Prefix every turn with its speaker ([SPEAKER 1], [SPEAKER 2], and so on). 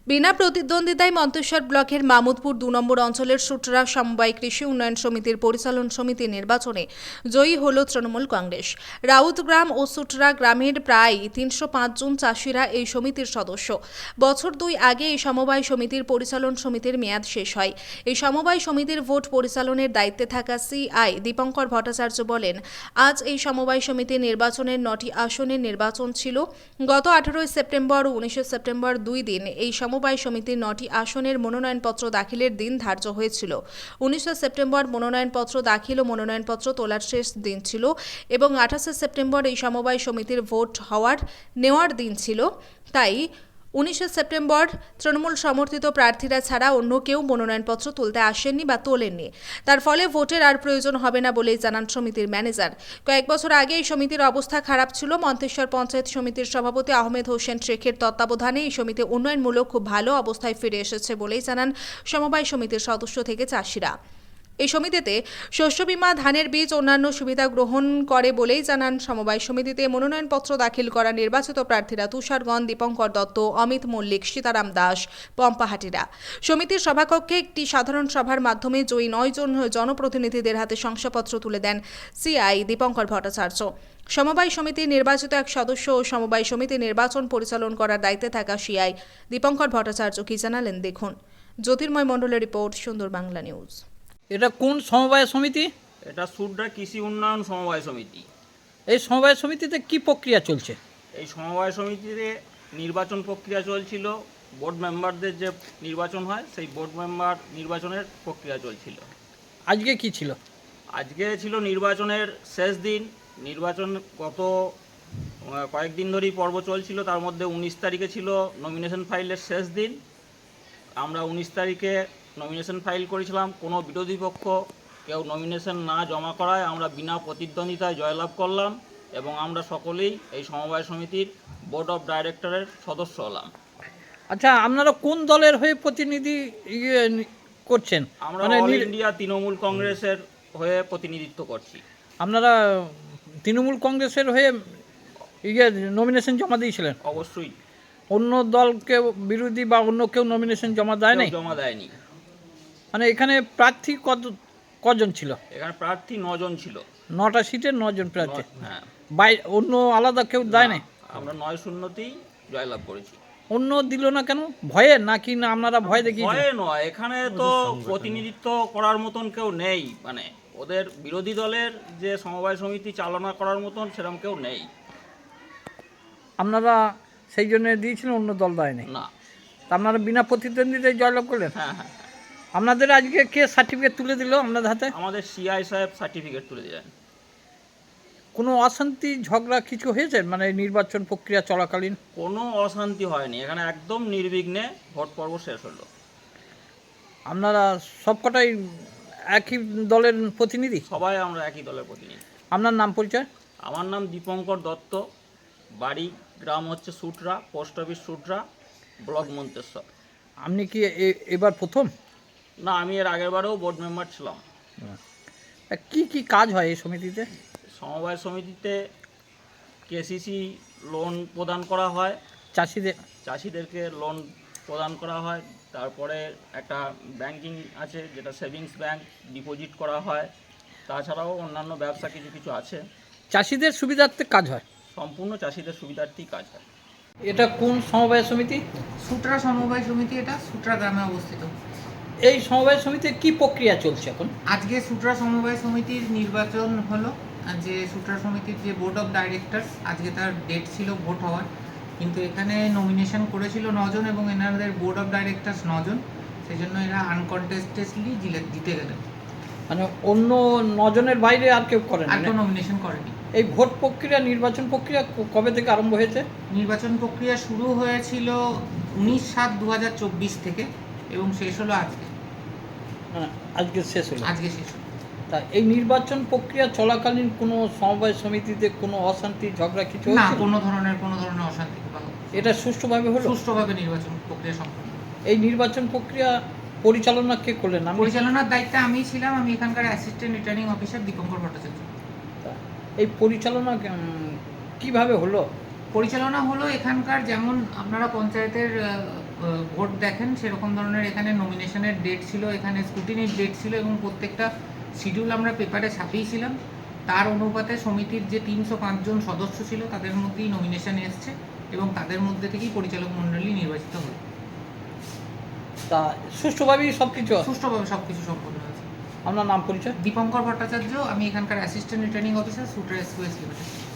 [SPEAKER 1] বিনা প্রতিদ্বন্দ্বিতায় মন্তেশ্বর ব্লকের মামুদপুর ২ নম্বর অঞ্চলের সুটরা সমবায় কৃষি উন্নয়ন সমিতির পরিচালন সমিতি নির্বাচনে জয়ী হল তৃণমূল কংগ্রেস। রাউতগ্রাম ও সুটরা গ্রামের প্রায় ৩০৫ জন চাষিরা এই সমিতির সদস্য। বছর ২ আগে এই সমবায় সমিতির পরিচালন সমিতির মেয়াদ শেষ হয়। এই সমবায় সমিতির ভোট পরিচালনের দায়িত্বে থাকা সিআই দীপঙ্কর ভট্টাচার্য বলেন, আজ এই সমবায় সমিতির নির্বাচনের ৯টি আসনের নির্বাচন ছিল। গত ১৮ সেপ্টেম্বর ও ১৯ সেপ্টেম্বর ২ দিন এই সমবায় সমিতির ৯টি আসনের মনোনয়নপত্র দাখিলের দিন ধার্য হয়েছিল। ১৯ সেপ্টেম্বর মনোনয়নপত্র দাখিল ও মনোনয়নপত্র তোলার শেষ দিন ছিল এবং ২৮ সেপ্টেম্বর এই সমবায় সমিতির ভোট নেওয়ার দিন ছিল। তাই ১৯ সেপ্টেম্বর তৃণমূল সমর্থিত প্রার্থীরা ছাড়া অন্য কেউ মনোনয়নপত্র তুলতে আসেননি বা তোলেননি। তার ফলে ভোটের আর প্রয়োজন হবে না বলেই জানান সমিতির ম্যানেজার। কয়েক বছর আগে এই সমিতির অবস্থা খারাপ ছিল। মন্তেশ্বর পঞ্চায়েত সমিতির সভাপতি আহমেদ হোসেন শেখের তত্ত্বাবধানে এই সমিতি উন্নয়নমূলক খুব ভালো অবস্থায় ফিরে এসেছে বলেই জানান সমবায় সমিতির সদস্য থেকে চাষিরা। এই সমিতিতে শস্য বীমা, ধানের বীজ, অন্যান্য সুবিধা গ্রহণ করে বলেই জানান সমবায় সমিতিতে মনোনয়নপত্র দাখিল করা নির্বাচিত প্রার্থীরা তুষারগণ, দীপঙ্কর দত্ত, অমিত মল্লিক, সীতারাম দাস, পম্পাহাটিরা। সমিতির সভাকক্ষে একটি সাধারণ সভার মাধ্যমে জয়ী ৯ জন জনপ্রতিনিধিদের হাতে শংসাপত্র তুলে দেন সিআই দীপঙ্কর ভট্টাচার্য। সমবায় সমিতির নির্বাচিত এক সদস্য ও সমবায় সমিতি নির্বাচন পরিচালন করার দায়িত্বে থাকা সিআই দীপঙ্কর ভট্টাচার্য কি জানালেন দেখুন। জ্যোতির্ময় মণ্ডলের রিপোর্ট, সুন্দর বাংলা নিউজ।
[SPEAKER 2] এটা কোন সমবায় সমিতি?
[SPEAKER 3] এটা সুটরা কৃষি উন্নয়ন সমবায় সমিতি।
[SPEAKER 2] এই সমবায় সমিতিতে কি প্রক্রিয়া চলছে?
[SPEAKER 3] এই সমবায় সমিতিতে নির্বাচন প্রক্রিয়া চলছিল। বোর্ড মেম্বারদের যে নির্বাচন হয় সেই বোর্ড মেম্বার নির্বাচনের প্রক্রিয়া চলছিল।
[SPEAKER 2] আজকে কি ছিল?
[SPEAKER 3] আজকে ছিল নির্বাচনের শেষ দিন। নির্বাচন গত কয়েকদিন ধরেই পর্ব চলছিল, তার মধ্যে ১৯ তারিখে ছিল নমিনেশন ফাইলের শেষ দিন। আমরা ১৯ তারিখে নমিনেশন ফাইল করেছিলাম। কোনো বিরোধী পক্ষ কেউ নমিনেশন না জমা করায় আমরা বিনা প্রতিদ্বন্দ্বিতায় জয়লাভ করলাম এবং আমরা সকলেই এই সমবায় সমিতির বোর্ড অফ ডাইরেক্টরের সদস্য হলাম।
[SPEAKER 2] আচ্ছা, আপনারা কোন দলের হয়ে প্রতিনিধি করছেন?
[SPEAKER 3] আমরা অল ইন্ডিয়া তৃণমূল কংগ্রেসের হয়ে প্রতিনিধিত্ব করছি।
[SPEAKER 2] আপনারা তৃণমূল কংগ্রেসের হয়ে নমিনেশন জমা দিয়েছিলেন?
[SPEAKER 3] অবশ্যই।
[SPEAKER 2] অন্য দলকে বিরোধী বা অন্য কেউ নমিনেশন জমা দেয় নাই?
[SPEAKER 3] জমা দেয়নি।
[SPEAKER 2] মানে এখানে প্রার্থী কজন ছিল?
[SPEAKER 3] এখানে প্রার্থী ৯ জন ছিল।
[SPEAKER 2] ৯টা সিটে ৯ জন প্রার্থী।
[SPEAKER 3] হ্যাঁ,
[SPEAKER 2] অন্য আলাদা কেউ দেয় নাই?
[SPEAKER 3] আমরা ৯-০তেই জয়লাভ করেছি।
[SPEAKER 2] অন্য দিল না কেন? ভয়ে নাকি না আপনারা ভয় দেখিয়েছেন?
[SPEAKER 3] ভয়ে নয়, এখানে তো প্রতিনিধিত্ব করার মতন কেউ নেই। মানে ওদের বিরোধী দলের যে সমবায় সমিতি চালনা করার মতন সেরকম কেউ নেই।
[SPEAKER 2] আপনারা সেই জন্য দিয়েছিলেন, অন্য দল দেয় নাই?
[SPEAKER 3] না।
[SPEAKER 2] তা আপনারা বিনা প্রতিদ্বন্দ্বিতায় জয়লাভ করলেন?
[SPEAKER 3] হ্যাঁ হ্যাঁ।
[SPEAKER 2] আপনাদের আজকে কে সার্টিফিকেট তুলে দিল আপনাদের হাতে?
[SPEAKER 3] আমাদের সিআই সাহেব সার্টিফিকেট তুলে দিলেন।
[SPEAKER 2] কোনো অশান্তি ঝগড়া কিছু হয়েছে মানে নির্বাচন প্রক্রিয়া চলাকালীন?
[SPEAKER 3] কোনো অশান্তি হয়নি, এখানে একদম নির্বিঘ্নে ভোট পর্ব শেষ হলো।
[SPEAKER 2] আপনারা সবকটাই একই দলের প্রতিনিধি?
[SPEAKER 3] সবাই আমরা একই দলের প্রতিনিধি।
[SPEAKER 2] আপনার নাম পরিচয়?
[SPEAKER 3] আমার নাম দীপঙ্কর দত্ত, বাড়ি গ্রাম হচ্ছে Sutra, post office Sutra, block Manteswar.
[SPEAKER 2] আপনি কি এবার প্রথম?
[SPEAKER 3] না, আমি এর আগের বারেও বোর্ড মেম্বার ছিলাম।
[SPEAKER 2] কি কি কাজ হয় এই সমিতিতে?
[SPEAKER 3] সমবায় সমিতিতে কেসিসি লোন প্রদান করা হয়, চাষিদেরকে লোন প্রদান করা হয়। তারপরে একটা ব্যাংকিং আছে যেটা সেভিংস ব্যাংক, ডিপোজিট করা হয়। তাছাড়াও অন্যান্য ব্যবসা কিছু কিছু আছে।
[SPEAKER 2] চাষিদের সুবিধার্থে কাজ হয়?
[SPEAKER 3] সম্পূর্ণ চাষিদের সুবিধার্থেই কাজ হয়।
[SPEAKER 2] এটা কোন সমবায় সমিতি?
[SPEAKER 4] সুটরা সমবায় সমিতি, এটা সুটরা গ্রামে অবস্থিত।
[SPEAKER 2] এই সমবায় সমিতির কি প্রক্রিয়া চলছে এখন?
[SPEAKER 4] আজকে সুটরা সমবায় সমিতির নির্বাচন হলো। যে সুটরা সমিতির যে বোর্ড অফ ডাইরেক্টরস, আজকে তার ডেট ছিল ভোট হওয়ার, কিন্তু এখানে নমিনেশন করেছিল ৯ জন এবং এনাদের বোর্ড অফ ডাইরেক্টরস ৯ জন, সেই জন্য এরা আনকন্টেস্টেডলি জিতে গেলেন।
[SPEAKER 2] মানে অন্য ৯ জনের বাইরে আর কেউ করেন?
[SPEAKER 4] আর কেউ নমিনেশন করেনি।
[SPEAKER 2] এই ভোট প্রক্রিয়া, নির্বাচন প্রক্রিয়া কবে থেকে আরম্ভ হয়েছে?
[SPEAKER 4] নির্বাচন প্রক্রিয়া শুরু হয়েছিল ১৯/৭/২০২৪ থেকে এবং শেষ হলো আজকে।
[SPEAKER 2] আজকে শেষ হলো?
[SPEAKER 4] আজকে শেষ হলো।
[SPEAKER 2] তা এই নির্বাচন প্রক্রিয়া চলাকালীন কোনো সমবায় সমিতিতে কোনো অশান্তি ঝগড়া কিছু
[SPEAKER 4] না,
[SPEAKER 2] হয়েছিল?
[SPEAKER 4] কোনো ধরনের অশান্তি বা
[SPEAKER 2] এটা সুষ্ঠুভাবে হলো?
[SPEAKER 4] সুষ্ঠুভাবে নির্বাচন প্রক্রিয়া সম্পন্ন।
[SPEAKER 2] এই নির্বাচন প্রক্রিয়া পরিচালনা কে করলেন?
[SPEAKER 4] পরিচালনার দায়িত্বে আমি ছিলাম। আমি এখানকার assistant returning officer Dipankar Bhattacharya.
[SPEAKER 2] এই পরিচালনা কিভাবে হলো?
[SPEAKER 4] পরিচালনা হলো এখানকার, যেমন আপনারা পঞ্চায়েতের ভোট দেখেন সেরকম ধরনের এখানে নমিনেশনের ডেট ছিল, এখানে স্ক্রুটিনির ডেট ছিল এবং প্রত্যেকটা শিডিউল আমরা পেপারে ছাপিয়েছিলাম। তার অনুপাতে সমিতির যে 305 জন সদস্য ছিল তাদের মধ্যেই নমিনেশন এসছে এবং তাদের মধ্যে থেকেই পরিচালক মণ্ডলী নির্বাচিত হলো।
[SPEAKER 2] তা সুষ্ঠুভাবেই সব কিছু
[SPEAKER 4] সুষ্ঠুভাবে সব কিছু সম্পন্ন হয়েছে।
[SPEAKER 2] আপনার নাম পরিচয়?
[SPEAKER 4] দীপঙ্কর ভট্টাচার্য, আমি এখানকার assistant returning officer, shooter express limited.